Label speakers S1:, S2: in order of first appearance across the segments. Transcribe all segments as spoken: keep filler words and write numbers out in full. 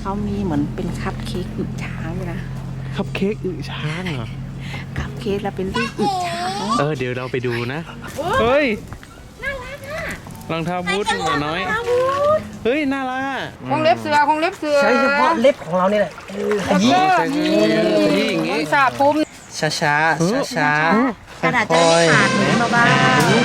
S1: เขามีเหมือนเป็นคัพเค้กอึช้างเลยนะ
S2: คัพเค้กอึช้างเหรอ
S1: คัพเค้กแล้วเป็นรูปอึช้าง
S2: เออเดี๋ยวเราไปดูนะเฮ้ย
S1: น่ารักอ่ะ
S2: รองเท้าบูทหมาน้อยเฮ้ยน่ารัก
S3: คงเล็บเสือคงเล็บเสือ
S4: ใช้เฉพาะเล็บของเรานี่แหละ
S2: ขยี้ขยี้ขยี้อย่างงี้
S3: สาปุ่ม
S4: ช้าช้าช้าช้าก
S1: ระดาษจะไม่ขาดมือมาบ้าง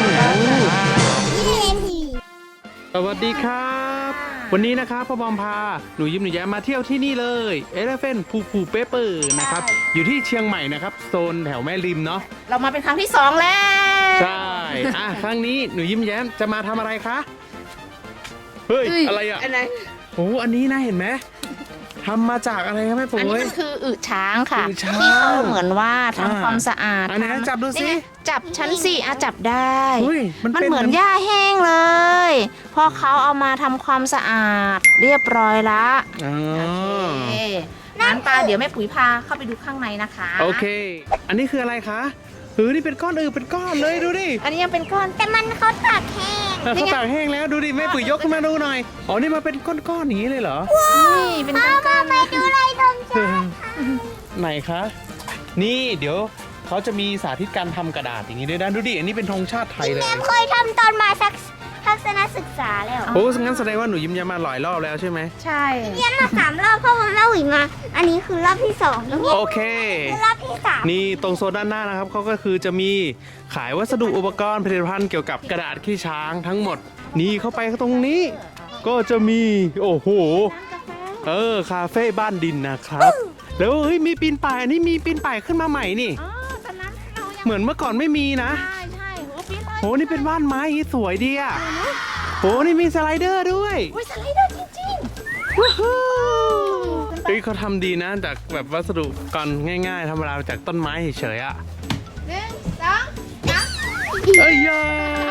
S2: สวัสดีครับวันนี้นะครับพ่อบอมพาหนูยิ้มหนูแย้มมาเที่ยวที่นี่เลยเอเลฟเฟนพูพูเปเปอร์นะครับอยู่ที่เชียงใหม่นะครับโซนแถวแม่ริมเนาะ
S1: เรามาเป็นครั้งที่สองแล้ว
S2: ใช่อ่ะครั้งนี้หนูยิ้มแย้มจะมาทำอะไรคะเฮ้ยอะไรอ่ะ
S1: อะไร
S2: โอ้อันนี้นะเห็นไหมทำมาจากอะไรครับแม่ปุ๋ย
S1: อันนี้มันคืออึช้างค่ะที่เขาเหมือนว่าทำความสะอาด
S2: อันนี้จับดูสิ
S1: จับชั้นสี่อ่ะจับได้
S2: มัน
S1: เหมือนหญ้าแห้งเลยพอเขาเอามาทำความสะอาดเรียบร้อยละ
S2: โอเค
S1: งั้นปลาเดี๋ยวแม่ปุ๋ยพาเข้าไปดูข้างในนะคะ
S2: โอเคอันนี้คืออะไรคะเฮ้ยนี่เป็นก้อนอือเป็นก้อนเลยดูดิ
S1: อันนี้ยังเป็นก้อน
S5: แต่มันเขาตากแห้ง
S2: เขาตากแห้งแล้วดูดิแม่ปุ๋ยยกขึ้นมาดูหน่อยอ๋อนี่มาเป็นก้อนๆอย่างนี้เลยเหรอ
S1: นี่เป็นก้อน
S5: ๆไปดูอะไรตรงช้าง
S2: ไหนคะนี่เดี๋ยวเขาจะมีสาธิตการทำกระดาษอย่างนี้ด้วยนะดูดิอันนี้เป็นธงชาติไทยเลย
S5: แม่เคยทำตอนมาสักทัศนศึกษาแล้ว
S2: โอ้งั้นแสดงว่าหนูยิ้มยามาหลายรอบแล้วใช่ไหม
S1: ใช่
S5: เรียนมาสามรอบเพราะว่าแม่หวิมา อันนี้คือรอบที่สอง
S2: โอเค
S5: คือรอบที่สาม
S2: นี่ตรงโซนด้านหน้านะครับเขาก็คือจะมีขายวัสดุอุปกรณ์ผลิตภัณฑ์เกี่ยวกับกระดาษขี้ช้างทั้งหมดนี่เข้าไปตรงนี้ก็จะมีโอ้โหเออคาเฟ่บ้านดินนะครับแล้วเฮ้ยมีปีนป่ายอันนี้มีปีนป่ายขึ้นมาใหม่นี่เหมือนเมื่อก่อนไม่มีนะ
S1: ใช่ใช่โอ้ปีนป่าย
S2: โหนี่เป็นบ้านไม้สวยดีอ่ะโหนี่มีสไลเดอร์ด้วย
S1: โอ้ยสไลเดอร์จริงๆว้าว
S2: เฮ้ยเขาทำดีนะจากแบบวัสดุก่อนง่ายๆธรรมดาจากต้นไม้เฉยๆอ่ะ
S1: หนึ่งสองสาม
S2: เอ้ยย่า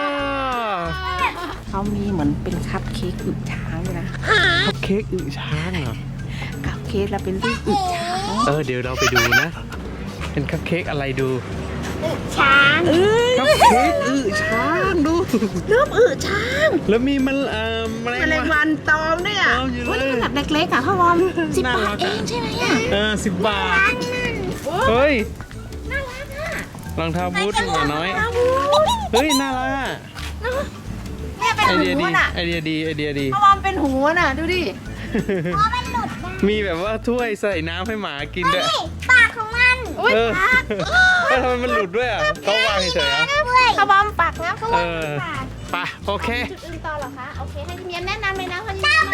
S1: เขามีเหมือนเป็นคัพเค้กอึช้างเลยนะ
S2: คัพเค้กอึช้างเหรอ
S1: คัพเค้กแล้วเป็นรูปอึช้าง
S2: เออเดี๋ยวเราไปดูนะเป็นคัพเค้กอะไรดู
S5: ช้าง
S2: เอ้ยคัพเค้กอึช้างดู
S1: รูปอึช้าง
S2: แล้วมีมันเอ่อแมลง
S1: วันตอมด้วยอ่ะโอ้ยนี่ขนาดเล็กๆอ่ะพ่อวอมสิบบาทเองใช่ไหมอ่ะ
S2: เออสิบบาทเฮ้ย
S1: น่ารักอ่ะ
S2: รองเท้าบูทหมาน้อยเฮ้ยน่ารักอ่ะ
S1: เนี่ยเป็นหูน่ะ
S2: ไอเดียดีไอเดียดี
S1: พ่อวอมเป็นหูน่ะดูดิ
S2: มีแบบว่าถ้วยใส่น้ำให้หมากินด้วย
S5: ปากของมัน
S2: เออทำไมมันหลุดด้วยอ่ะเขาวางเฉยๆอ่ะ
S1: เขาบอมปากนะเขาวาง
S2: ปากไปโอเค
S1: จุดอื่นต่อเหรอคะโอเคให้พี่เมียแนะนำเลยนะเขาจะตามไป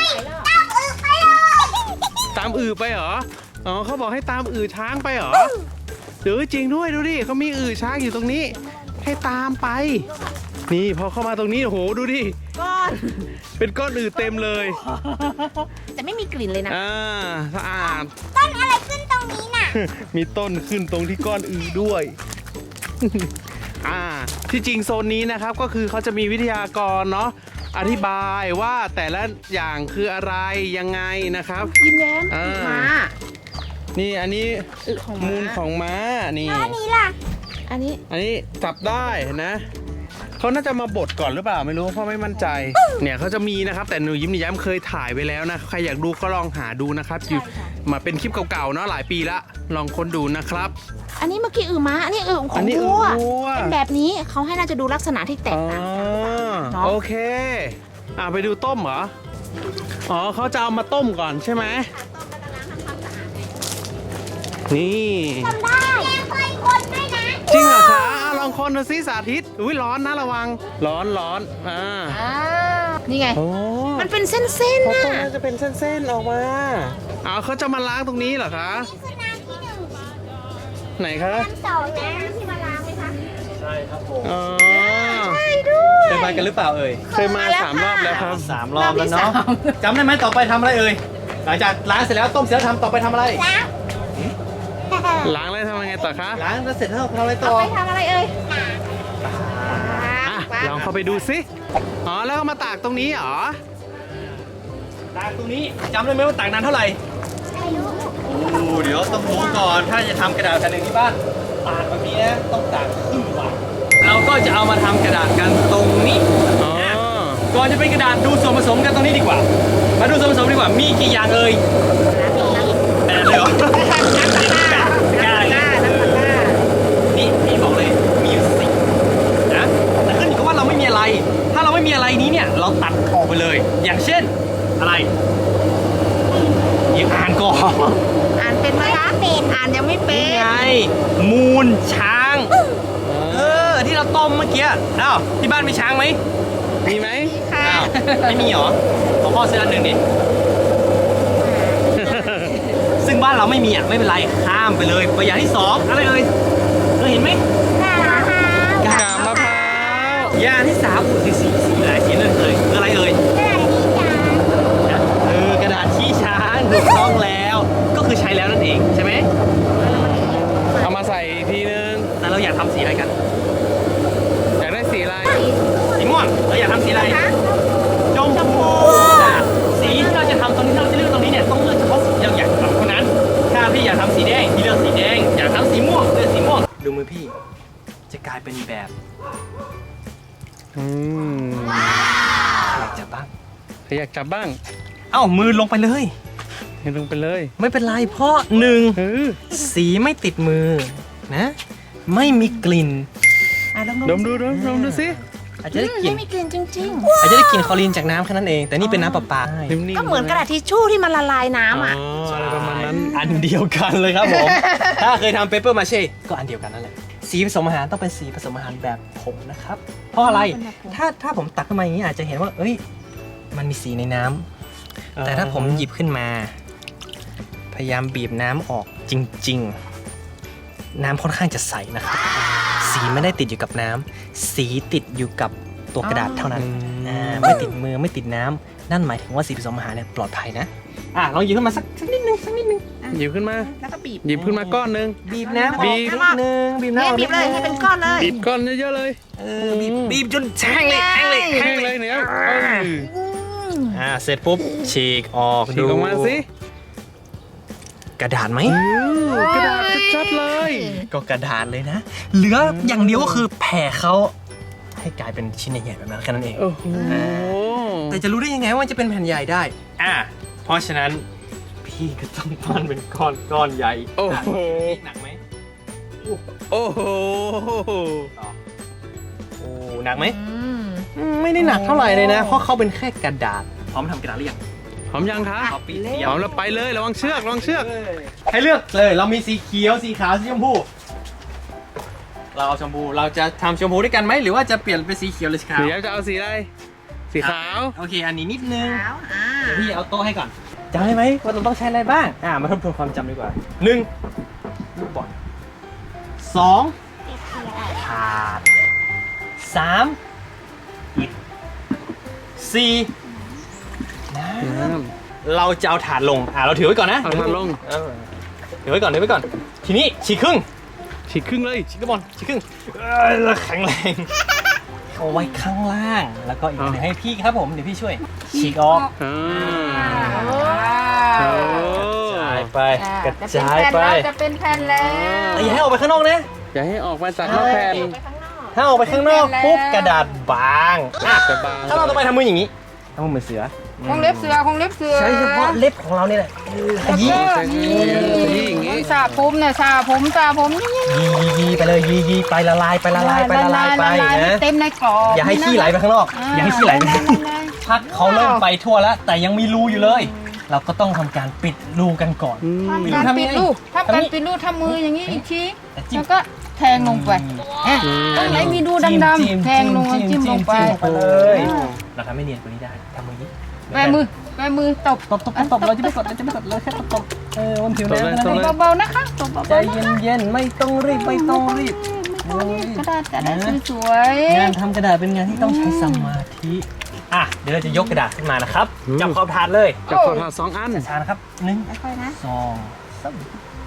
S2: ตามอือไปเหรออ๋อเขาบอกให้ตามอือช้างไปเหรอเดี๋ยวจริงด้วยดูดิเขามีอือช้างอยู่ตรงนี้ให้ตามไปนี่พอเข้ามาตรงนี้โอ้โหดูดิ
S1: ก้อน
S2: เป็นก้อนอือเต็มเลย
S1: แต่ไม่มีกลิ่นเลยนะ
S2: อ่าสะอาด
S5: ต้นอะไรขึ้นตรงนี้น่ะ
S2: มีต้นขึ้นตรงที่ก้อนอือด้วยอ่าที่จริงโซนนี้นะครับก็คือเขาจะมีวิทยากรเนาะอธิบายว่าแต่ละอย่างคืออะไรยังไงนะครับ
S1: ยิ้มแย้มม้า
S2: นี่อันนี้มูลของม้านี่
S5: อันนี้ล่ะ
S1: อันนี้
S2: อันนี้จับได้นะเขาน่าจะมาบดก่อนหรือเปล่าไม่รู้เพราะไม่มั่นใจเนี่ยเขาจะมีนะครับแต่หนูยิ้มหนูแย้มเคยถ่ายไว้แล้วนะใครอยากดูก็ลองหาดูนะครับอยู่มาเป็นคลิปเก่าๆเนาะหลายปีละลองค้นดูนะครับ
S1: อันนี้เมื่อกี้อือม้าอันนี้อือของวัวเป็นแบบนี้เขาให้น่าจะดูลักษณะที่แตกต่าง
S2: กันโอเคอ่ะไปดูต้มเหรออ๋อเขาจะเอามาต้มก่อนใช่ไหมนี่
S5: ทำได้เคยคนด้วยนะ
S2: จริงเหรอคะลองคนดูซิสาธิตอุ้ยร้อนนะระวังร้อนร้อนอ่า
S1: นี่ไงมันเป็นเส้นๆนะ
S2: มันจะเป็นเส้นๆออกมาอ๋อเขาจะมาล้างตรงนี้เหรอคะ
S5: นี่คือน้ำที่หนึ่ง
S2: ไหนคะ
S5: น้ำสองนะที่มาล้างไหมคะ
S4: ใช่ครับผม
S2: อ๋อ
S1: ใช่ด้วย
S4: เคยมากันหรือเปล่าเอ่ย
S2: เคยมาสามรอบแล้วครับ
S4: สามรอบแล้วเนาะจำได้ไหมต่อไปทำอะไรเอ่ยหลังจากล้างเสร็จแล้วต้มเสร็จแล้วทำต่อไปทำอะไร
S2: ล้างแล้วทำยังไงต่อคะ
S4: ล้างแล้วเสร็จแล้วทำอะไรต่อ
S1: ไปทำอะไรเอ่ย
S2: ลองเข้าไปดูสิอ๋อแล้วก็มาตากตรงนี้เหรอ
S4: ตากตรงนี้จำได้ไหมว่าตากนานเท่าไหร่ไม่รู้โอ้เดี๋ยวต้องรู้ก่อนถ้าจะทำกระดาษแผ่นหนึ่งที่บ้านตากแบบนี้ต้องตากครึ่งวันเราก็จะเอามาทำกระดาษกันตรงนี้ก่อนจะเป็นกระดาษดูส่วนผสมกันตรงนี้ดีกว่ามาดูส่วนผสมดีกว่ามีกี่อย่างเอ่ยอย่างเช่นอะไรยังอ่านก่อน
S1: อ่านเป็นไหมคะเป็นอ่านยังไม่เป็
S4: นี่
S1: น
S4: ไงมูลช้าง เออ ที่เราต้มเมื่อกี้อ้าวที่บ้านมีช้างไหม
S2: มีไหม
S1: ค่ะ
S4: อ้าวไม่มีเหรอขอพ่อซื้ออันหนึ่งดิ ซึ่งบ้านเราไม่มีอ่ะไม่เป็นไรข้ามไปเลยไปอย่างที่สองอะไรเอ่ยเคยเห็นไหม
S2: กาบมะพร้าว
S4: อย่างที่สามอุ้ยสีสีหลายสีเลยเอ่ยคืออะไรเอ่ยเออกระดาษขี้ช้างถูกต้องแล้วก็คือใช้แล้วนั่นเองใช่ไหม
S2: เอามาใส่อีกทีนึง
S4: แต่เราอยากทำสีอะไรกัน
S2: อยากได้สีอะไร
S4: สีม่วงเราอยากทำสีอะไรชมพูอ่ะสีที่เราจะทำตรงนี้ที่เราจะเลือกตรงนี้เนี่ยต้องเลือกเฉพาะสีที่เราอยากทำเท่านั้นถ้าพี่อยากทำสีแดงพี่เลือกสีแดงอยากทำสีม่วงเลือกสีม่วงดูมือพี่จะกลายเป็นแบบ
S2: อืม
S4: อยากจับบ้าง
S2: ใครอยากจับบ้าง
S4: เอ้ามือลงไปเลย
S2: ให้ลงไปเลย
S4: ไม่เป็นไรเพราะหนึ่ง
S2: เออ
S4: สีไม่ติดมือนะ ไม่มีกลิ่น
S1: อ่ะลอง
S2: ดมดูดมดมดูสิ
S4: อาจจะได้กลิ่น
S1: ไม่มีกลิ่นจริง
S4: อาจจะได้กลิ่นคลอรีนจากน้ำแค่นั้นเอง แต่นี่เป็นน้ำประปา
S2: นิ่ม
S1: ๆ
S2: ๆ
S1: ก็เหมือนกระดาษทิชชู่ที่มันละลายน้ำอ่ะ
S2: อ๋ออะไรประมาณนั้น
S4: อันเดียวกันเลยครับผม ถ้าเคยทำเปเปอร์มาเช่ก็อันเดียวกันนั่นแหละสีผสมอาหารต้องเป็นสีผสมอาหารแบบผงนะครับ เพราะอะไรถ้าถ้าผมตักขึ้นมาอย่างนี้อาจจะเห็นว่า เอ้ย มันมีสีในน้ำแต่ถ้าผมหยิบขึ้นมา พยายามบีบน้ำออกจริง ๆ น้ำค่อนข้างจะใสนะครับ สีไม่ได้ติดอยู่กับน้ำสีติดอยู่กับตัวกระดาษเท่านั้นอ่าไม่ติดมือไม่ติดน้ำนั่นหมายถึงว่าสีผสมอาหารเนี่ยปลอดภัยนะอ่ะลองหยิบขึ้นมาสักสักนิดนึงสักนิดนึง
S2: หยิบขึ้นมา
S1: แล้วก็บีบ
S2: หยิบขึ้นมาก้อนหนึง
S4: บีบน้ำออก
S2: บีบ
S4: นิดนึงบีบน้ำ
S1: เนี่
S4: อย อก
S1: บีบเลยให้เป็นก้อนเลย
S2: บีบก้อนเยอะๆเลย
S4: เออบีบบีบจนแห้งเลยแห้งเลย
S2: แห้งเลยเนี่ยเออ
S4: อ่าเสร็จปุ๊บฉีกออก
S2: ฉีกออกมาสิ
S4: กระดาษไหม
S2: อือกระดาษชัดๆเลย
S4: ก็กระดาษเลยนะ เหลืออย่างเดียวก็คือแผ่เขาให้กลายเป็นชิ้นใหญ่ๆแบบนั้นแค่นั้นเอง
S2: โอ้โห
S4: แต่จะรู้ได้ยังไงว่ามันจะเป็นแผ่นใหญ่ได้ อ่า เพราะฉะนั้นพี่ก็ต้องปั้นเป็นก้อนก้อนใหญ่
S2: โอ้โห
S4: หนักไหม
S2: โอ้โห
S4: โอ้หนักไหม
S1: อืม
S4: อืมไม่ได้หนักเท่าไหร่เลยนะ เพราะเขาเป็นแค่กระดาษ พร้อมทำกระดาษหรือยัง
S2: พร้อมยังคะ
S4: พร้อมปีเดี
S2: พ
S4: ยว
S2: ร้อมแล้วไปเลยระวังเชือกระวังเชือก
S4: ให้เลือกเลย เรามีสีเขียว สีขาว สีชมพู เราเอาชมพู เราจะทำชมพูด้วยกันไหม หรือว่าจะเปลี่ยนเป็นสีเขียวหรือสีขาว
S2: เดี๋ยวจะเอาสีอะไร สีขาว
S4: โอเค อันนี้นิดนึง
S1: ขาวอ่า
S4: เดี๋ยวพี่เอาโต๊ะให้ก่อนจำได้ไหมว่าเราต้องใช้อะไรบ้าง อ่ามาทบทวนความจำดีกว่าหนึ่งลูกบอลสองถาดสามอิฐสี่น้ำเราจะเอาถาดลง อ่าเราถือไว้ก่อนนะ
S2: เอาถาดลง
S4: เออถือไว้ก่อนถือไว้ก่อน ทีนี้ฉีกครึ่ง
S2: ฉีกครึ่งเลย
S4: ฉีกลูกบอลฉีกครึ่งเอ้ยแล้วแข็งแรงเอาไว้ข้างล่าง แล้วก็อีกหนึ่งให้พี่ครับผม เดี๋ยวพี่ช่วย ฉีกออก
S2: อ่า
S1: โอ้
S2: โอ้
S4: กระจายไป กระ
S1: จะ
S4: จาย
S1: เป็น
S4: ไป
S1: แผ่นแล้วจะเป็นแผ่นแล้ว
S4: อย่าให้ออกไปข้างนอกนะ
S2: อย่าให้ออกมาจากนอกแผ่น
S1: ไปข้างนอก
S4: ถ้าออกไปข้างนอกปุ๊บกระดาษบางอ่ะ
S2: จะบาง
S4: ถ้าเราต่อไปทำมืออย่างนี้ทำมือเหมือนเสือ
S3: คงเล็บเสือคงเล็บเสือ
S4: ใช้เฉพาะเล็บของเรานี่แหละขยี้
S2: ใช้ยียีอย่างงี้
S3: สาผมเนี่ยสาผมสาผมนี่
S4: ยียียีไปเลยยียีไปละลายไปละลายไปละลายไป
S3: ละลาย
S4: นะ
S3: เต็มในกรอบ
S4: อย่าให้ขี้ไหลไปข้างนอก อย่าให้ขี้ไหลไปข้างนอกพักเขาเริ่มไปทั่วแล้ว แต่ยังมีรูอยู่เลย เราก็ต้องทำการปิดรูกันก่อน
S3: ทำการปิดรูปทำการปิดรูปทำมืออย่างนี้อีกทีแล้วก็แทงลงไปอ่ะตรงไหนมีรูดำๆแทงลงจิ้มลงไป
S4: ไปเลย เราทำให้เนียนกว่านี้ได้ทำมือนี้
S3: แบมือแบมือตบ
S4: ตบตบตบเราจะไม่กดเราจะไม่กดเราแค่ตบตบเออบนผิวน้ำนั่นเอง
S3: เบาๆนะคะตบ
S4: ใจ
S3: เบาๆ
S4: เย็นๆไม่ต้องรีบไม่ต้องรีบ
S3: กระดาษกระดาษสวย
S4: งานทำกระดาษเป็นงานที่ต้องใช้สมาธิอ่ะเดี๋ยวเราจะยกกระดาษขึ้นมานะครับจับขอบถาดเลย
S2: จับขอถาดสองอัน
S4: ช้านะครับหนึ่ง
S1: ค่อยๆนะ
S4: สองสาม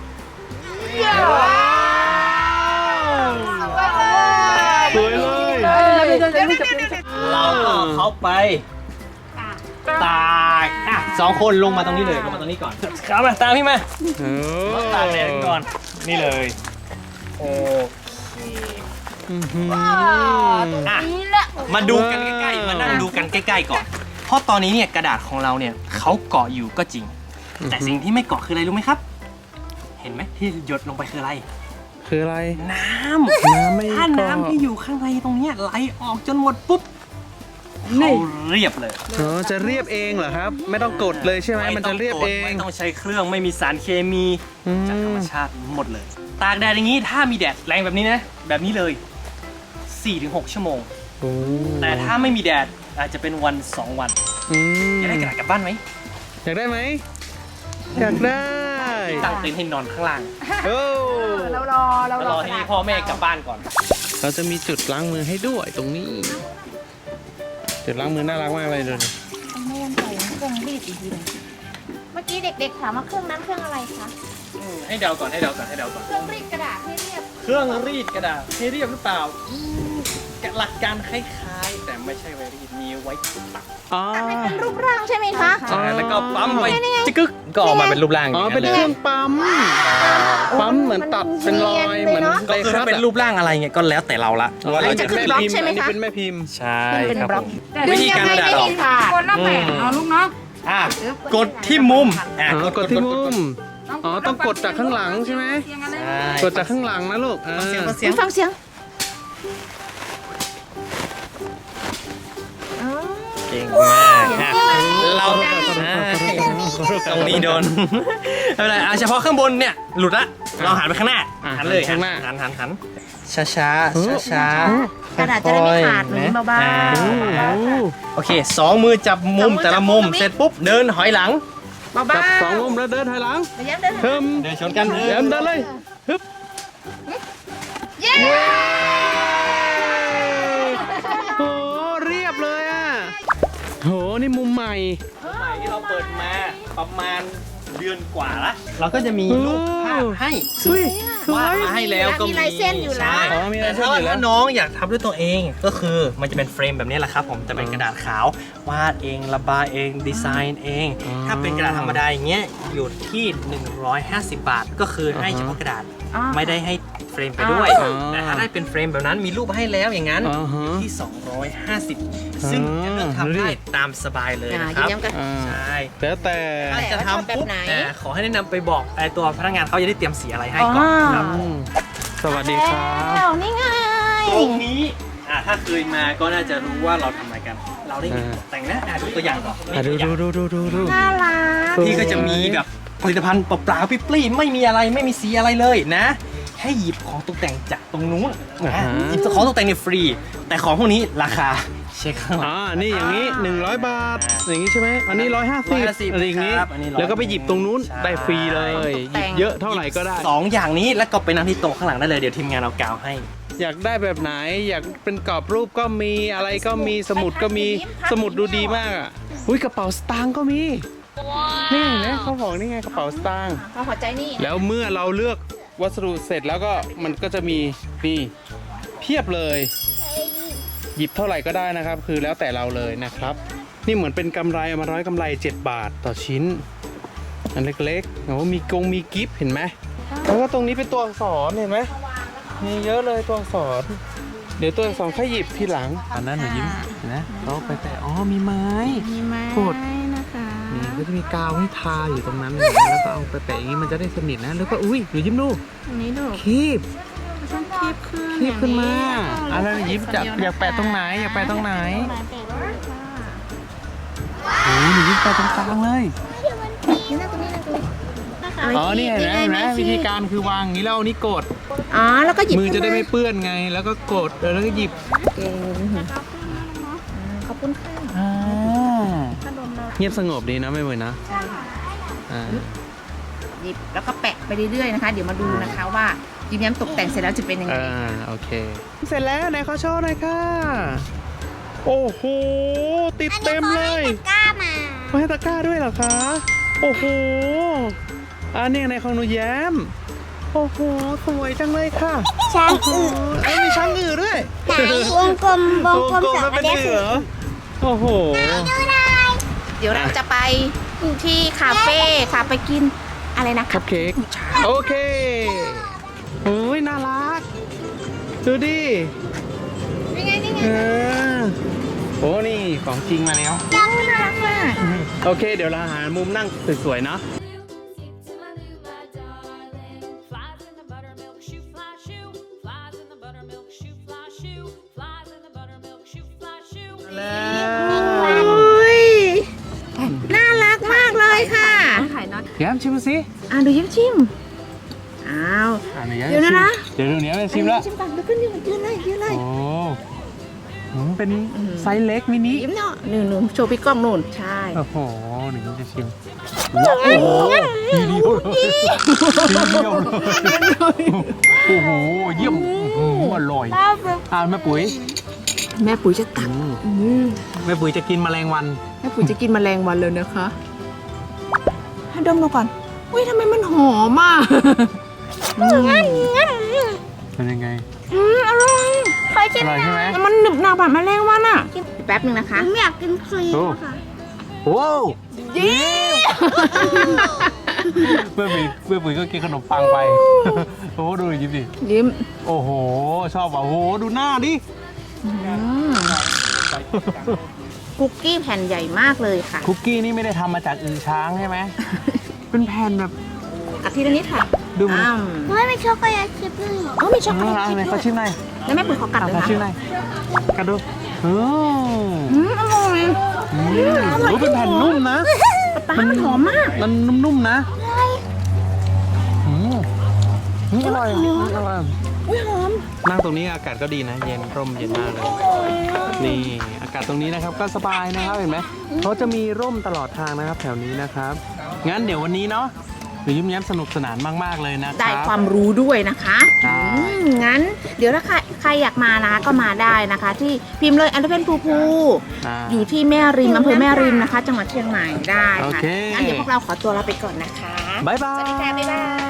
S2: สวยเลย
S4: เราก็เขาไปตากอ่ะสองคนลงมาตรงนี้เลยลงมาตรงนี้ก่อนครับมาตามพี่มา
S2: โอ้
S4: ตากแดดก่อนนี่เลยโอเค
S2: อื้อหือ
S4: อ่ะมาดูกันใกล้ๆมานั่งดูกันใกล้ๆก่อน เพราะตอนนี้เนี่ยกระดาษของเราเนี่ยเขาเกาะอยู่ก็จริง แต่สิ่งที่ไม่เกาะคืออะไรรู้ไหมครับ เห็นไหมที่หยดลงไปคืออะไร
S2: คืออะไร
S4: น้ำ
S2: น้ำไม่
S4: ถ้า
S2: เกาะ
S4: น้ำที่อยู่ข้างในตรงเนี้ยไหลออกจนหมดปุ๊บเขาเรียบเลย
S2: อ๋อจะเรียบเองเหรอครับ ไม่ต้องกดเลยใช่ไหมมันจะเรียบเอง
S4: ไม่ต้องใช้เครื่องไม่มีสารเคมี
S2: อืม
S4: จากธรรมชาติหมดเลย ตากแดดอย่างนี้ถ้ามีแดดแรงแบบนี้นะแบบนี้เลย สี่ถึงหก ชั่วโมง
S2: โอ้
S4: แต่ถ้าไม่มีแดดอาจจะเป็นวันสองวัน
S2: อืม
S4: อยากได้กระดาษกลับบ้านไหม
S2: อยากได้ไหมอยากได้
S4: ตั้งเต็นท์ให้นอนข้างล่าง
S2: โอ้
S3: เรารอเรา
S4: แล้ว
S3: ร
S4: ร
S3: อ
S4: อให้พ่อแม่กลับบ้านก่อน
S2: เราจะมีจุดล้างมือให้ด้วยตรงนี้ จุดล้างมือน่ารักมากเลยดูดิ
S1: ไม่ยังใส่เครื่องรีดอีกทีหนึงเมื่อกี้เด็กๆถามว่าเครื่องนั้นเครื่องอะไรคะ
S4: อืมให้เดาก่อนให้เดาก่อนให้เดาก่อน
S1: เครื่องรีดกระดาษให้เรียบ
S4: เครื่องรีดกระดาษให้เรียบหรือเปล่าอืมหลักการคล้ายๆ แต่ไม่ใช่ไว้รีดมีไว้ตัก
S2: อ๋อ
S1: ให้เป็นรูปร่างใช่ไหมคะ
S4: ใช่แล้วก็ปั๊มไปจิกกึกก็ออกมาเป็นรูปร่าง
S2: อ๋อ
S4: อย่าง
S2: เป็น
S4: นั้น
S2: เค
S4: เล
S2: รื่อย งปั๊ม ปั๊มเหมือนตัดเป็นรอยเหมือน
S4: ก็คือถ้าเป็นรูปร่างอะไรเงี้ยก็แล้วแต่เราละว่าเราจะ
S2: เป็นแม่พิมพ์อันนี้เป็นแม่พิมพ์
S4: ใช่
S1: เป็น
S4: ครับ
S1: บล็
S4: ผ
S1: อก
S4: มวิธีการกระดาษออก
S3: คนละแบบเอาลูกเนาะ
S4: อ่ะกดที่มุมอ่ะ
S2: อ๋อกดที่มุม อ๋อต้องกดจากข้างหลังใช่ไหม
S3: เสียงอะไร
S4: ใช่
S2: กดจากข้างหลังนะลูกอ่า
S4: เสียงเสียง
S1: ฟังเสียงอ๋อ
S4: เก่งมากอ่ะเราตรงนี้โดนไม่เป็นไรอ่ะเฉพาะข้างบนเนี่ยหลุดละเราหันไปข้างหน้าหันเลยหันหันหันหันช้าช้าช้าช้าก
S1: ระดาษจะได้ไม่ขาดหนูเบา
S2: โอ้โห
S4: โอเคสองมือจับมุมแต่ละมุมเสร็จปุ๊บเดินหอยหลัง
S1: ๆเบาๆ
S2: จับสองมุมแล้วเดินถอยหลัง
S1: ไปย้ำเดิน
S2: เพิ่ม
S4: เดินชนกัน
S2: เดินเดินเลยฮึบ
S1: เย้
S2: โหเรียบเลยอ่ะโหนี่มุมใหม่
S4: ใหม่ที่เราเปิดมาประมาณเดือนกว่าละเราก็จะมีรูปภาพให้
S2: เฮ้ยสว
S4: วาด
S2: ย
S4: มาให้แล้วก็มี
S1: มีลายเส้นอยู่แล้ว
S4: ใช่
S2: อ๋อมีลายเส้น
S4: แต่
S2: อยู่แล้ว
S4: ถ้าน้องอยากทำด้วยตัวเองก็คือมันจะเป็นเฟรมแบบนี้แหละครับผมจะเป็นกระดาษขาววาดเองระบายเองดีไซน์เอง
S2: อ๋อ
S4: ถ้าเป็นกระดาษธรรมดาอย่างเงี้ยอยู่ที่หนึ่งร้อยห้าสิบบาท ก็คือให้
S2: อ่าฮะ
S4: เฉพาะกระดาษ
S1: อ๋อ
S4: ไม่ได้ให้เฟรมไปด้วย
S2: อ๋อ
S4: แต่ถ้าได้เป็นเฟรมแบบนั้นมีรูปให้แล้วอย่างนั้น
S2: อ่าฮะ
S4: อยู่ที่สองร้อยห้าสิบซึ่งจะเลือกทำได้ตามสบายเลย
S1: อ่า
S4: นะครับ
S1: ยิ้มๆกัน
S2: อ่า
S4: ใช่
S2: แล้วแต่
S4: ถ้าจะทำปุ๊บ
S1: แบบไหน
S4: อ่าขอให้แนะนำไปบอกไอ้ตัวพนักงานเขาจะได้เตรียมสีอะไรให้
S1: อ๋อ
S4: ก่อนครับ
S2: อืมสวัสดีครับ
S1: แล้วนี่ไง
S4: ตรงนี้อ่าถ้าเคยมาก็น่าจะรู้ว่าเราทำอะไรกัน เราได้มีตกแต่งนะอ่าดูตัวอย่างก่อน
S2: อ่ะดูดูดูดูดูดู
S1: น่ารัก
S4: ที่ก็จะมีแบบผลิตภัณฑ์เปล่าๆปรี้ๆไม่มีอะไรไม่มีสีอะไรเลยนะ ให้หยิบของตกแต่งจากตรงนู้นนะหยิบของตกแต่งเนี่ยฟรี แต่ของพวกนี้ราคาเช็คข้างหลัง
S2: อ่านี่อย่างนี้หนึ่งร้อยบาท อย่างนี้ใช่ไหมอันนี้ร้อยห้าสิบ
S4: ร้อยห้าสิบ
S2: อะไรอย่างนี้
S4: ครับอันนี้ร้อย
S2: แล้วก็ไปหยิบตรงนู้น
S4: ใช่
S2: ได้ฟรีเลยหยิบเยอะเท่าไหร่ก็ได้
S4: สองอย่างนี้แล้วก็ไปนั่งที่โต๊ะข้างหลังได้เลยเดี๋ยวทีมงานเอากาวให้
S2: อยากได้แบบไหน อยากเป็นกรอบรูปก็มีอะไรก็มีสมุดก็มีสมุดดูดีมากอ่ะอุ้ยกระเป๋าสตางค์ก็มีนี่เห็นะเขาบอกนี่ไงกระเป๋าสตางค์
S1: พอหัวใจนี่
S2: แล้วเมื่อเราเลือกวัสดุเสร็จแล้วก็มันก็จะมีนี่เพียบเลย หยิบเท่าไหร่ก็ได้นะครับ คือแล้วแต่เราเลยนะครับ นี่เหมือนเป็นกำไรเอามาร้อยกำไรเจ็ดบาทต่อชิ้น อันเล็กๆโอ้มีกงมีกิฟต์เห็นไหมแล้วก็ตรงนี้เป็นตัวอักษรเห็นไหมมีเยอะเลยตัวอักษร เดี๋ยวตัวอักษรค่อยหยิบทีหลังอันนั้นหนูยิ้มเห็นไหมเขาไปแต่อ๋อมีไม้
S1: มีไม้
S2: กด
S1: นะคะ
S2: นี่ก็จะมีกาวให้ทาอยู่ตรงนั้นแล้วก็เอาไปแปะอย่างนี้มันจะได้สนิทนะแล้วก็อุ้ยหนูยิ้มดู
S1: ตรงนี้ดู
S2: คีบ
S1: ต้องคีบขึ้น
S2: คีบขึ้นมา
S1: อ
S2: อะไร
S1: ย่างนี้
S2: ยิ้มจะ
S1: คนเดีว
S2: อยากแปะตรงไหนอยากแปะตรงไหน
S1: ไหนแปะเลยค่ะ
S2: โอ้ยหนูยิ้มแปะตรงกลางเลย
S1: นี่นะตรงนี้นะตรงนี้นะคะ
S2: อ๋อนี่เห็นไหมเห็นไหม
S1: ไ
S2: วิธีการคือวางอย่างนี้แล้วเอานี้กด
S1: อ๋อแล้วก็หยิบ
S2: มือจะได้ไม่
S1: ขึ้น
S2: เปื้อนไง แล้วก็กดแล้วก็หยิบ
S1: าเก่งขอบคุณค่ะ
S2: อ่า
S1: ขนมเรา
S2: เงียบสงบดีนะไม่เหมือนนะอ่า
S1: หยิบแล้วก็แปะไปเรื่อยๆนะคะ เดี๋ยวมาดูนะคะว่ายิ้มแย้มตกแต่งเสร็จแล้วจะเป็นยังไง
S2: อ่าโอเค เสร็จแล้วไหนขอโชว์หน่อยค่ะ โอ้โหติดเต็มเลย
S5: กล้ามา
S2: มาให้ตะกร้าด้วยเหรอคะ โอ้โห อันนี้ในของหนูแย้ม โอ้โห สวยจังเลยค่ะ
S5: ช้างอือ
S2: เอ้ยมีช้างอื่นด้วย
S5: ไหนวงกลมวงกลมสอง
S2: แล้ว
S5: อั
S2: เป็น น
S5: เนี้ย
S2: เห
S5: คื
S2: ลื
S5: อ
S2: อโอ้โห
S1: เดี๋ยวเราจะไปที่คาเฟ่ค่ะไปกินอะไรนะ
S2: คัพเค้กโอเคโอ้ยน่ารัก ดูดิ
S1: นี่ไงนี่ไง
S2: เออโอ้นี่ของจริงมาแล้ว
S1: ยังน่ารักมาก
S2: โอเค เดี๋ยวเราหามุมนั่งสวยๆเนาะ
S6: To my new, my darling. Flies in the buttermilk shoe fly shoe. Flies in the buttermilk shoe fly shoe. Flies in the buttermilk shoe fly shoe.
S2: แล้วแย้มชิมสิ
S1: อ่ะดูยิ้มชิมอ้าว
S2: อ่ะหนูแย้ม
S1: เดี๋ยวนะนะ
S2: เดี๋ยวหนูแย้มจะชิมแล้ว
S1: ชิมก่อนดูขึ้นยืนยืนเลยยืนเลย
S2: โอ้หืมเป็นไซส์เล็กมินิ
S1: ยิ้มเนาะหนึ่งหนึ่งโชว์พี่กล้องนู่นใช่
S2: โอ้โหหนูแย้มจะชิมว้าวโอ้โหทีเดียวเลยทีเดียวเลยโอ้โหเยี่ยมอื้อหืออร่อยอ่าแม่ปุ๋ย
S1: แม่ปุ๋ยจะตัก
S2: อืมแม่ปุ๋ยจะกินแมลงวัน
S1: แม่ปุ๋ยจะกินแมลงวันเลยนะคะให้ดมดูก่อนอุ้ยทำไมมันหอมอ่ะอืม
S2: เป็นยังไง
S1: อืมอร่อย
S5: ขอชิม
S2: อร่อยใช่ไหม
S1: แต่มันหนึบหนับแบบแมลงวันอ่ะแป๊บหนึ่งนะคะ
S5: ผมอยากกินครีม
S2: โอ้
S5: ค่ะ
S2: โอ้
S1: ยิ้ม
S2: เพื่อนปุ๋ยเพื่อนปุ๋ยก็กินขนมปังไปโอ้ดูยิ้มดิ
S1: ยิ้ม
S2: โอ้โหชอบอ่ะโอ้โหดูหน้าดิ
S1: อืมคุกกี้แผ่นใหญ่มากเลยค่ะ
S2: คุกกี้นี่ไม่ได้ทำมาจากอือช้างใช่ไหม เป็นแผ่นแบบ
S1: อาทีละนิดค่ะ
S2: ดูมัน
S1: อ้าว
S5: ไม่มีช็อกโกแลตชิพเลยเหรอ
S1: อ๋อมีช็อกโก
S2: น่า
S1: แล
S2: รั
S1: ต
S2: ก
S1: ชิพ
S2: เลย
S1: ด้
S2: เขา
S1: วย
S2: ชิมหน่อย
S1: แล้วแม่ปุ๋ยขอกัด
S2: เอา
S1: เลย
S2: เขา
S1: นะ
S2: ชิมหน่อยกัดดูอืม
S1: อืมอร่อย
S2: อืมโอ้เป็นแผ่นนุ่มนะ
S1: ปลามันหอมมาก
S2: มันนุ่มๆนะอืมอืมอร่อยอร่อย
S1: อุ้ยหอม
S2: นั่งตรงนี้อากาศก็ดีนะ เย็นร่มเย็นมากเลย นี่อากาศตรงนี้นะครับก็สบายนะครับเห็นไหมเขาจะมีร่มตลอดทางนะครับ แถวนี้นะครับ งั้นเดี๋ยววันนี้เนาะหนูยิ้มแย้มสนุกสนานมากๆเลยนะค
S1: ได้
S2: รับ
S1: ความรู้ด้วยนะคะ
S2: ใช่
S1: อืมงั้น เดี๋ยวถ้าใครใครอยากมานะก็มาได้นะคะ ที่พิมพ์เลยอันเดอร์เพนภูภู
S2: อ่า
S1: อยู่ที่แม่ริมอำเภอแม่ริมนะคะ จังหวัดเชียงใหม่ได้
S2: โอ
S1: ค่ะ
S2: เค
S1: งั้นเดี๋ยวพวกเราขอตัวลาไปก่อนนะคะ
S2: บ๊ายบาย
S1: สวัสดีค่ะบ๊ายบาย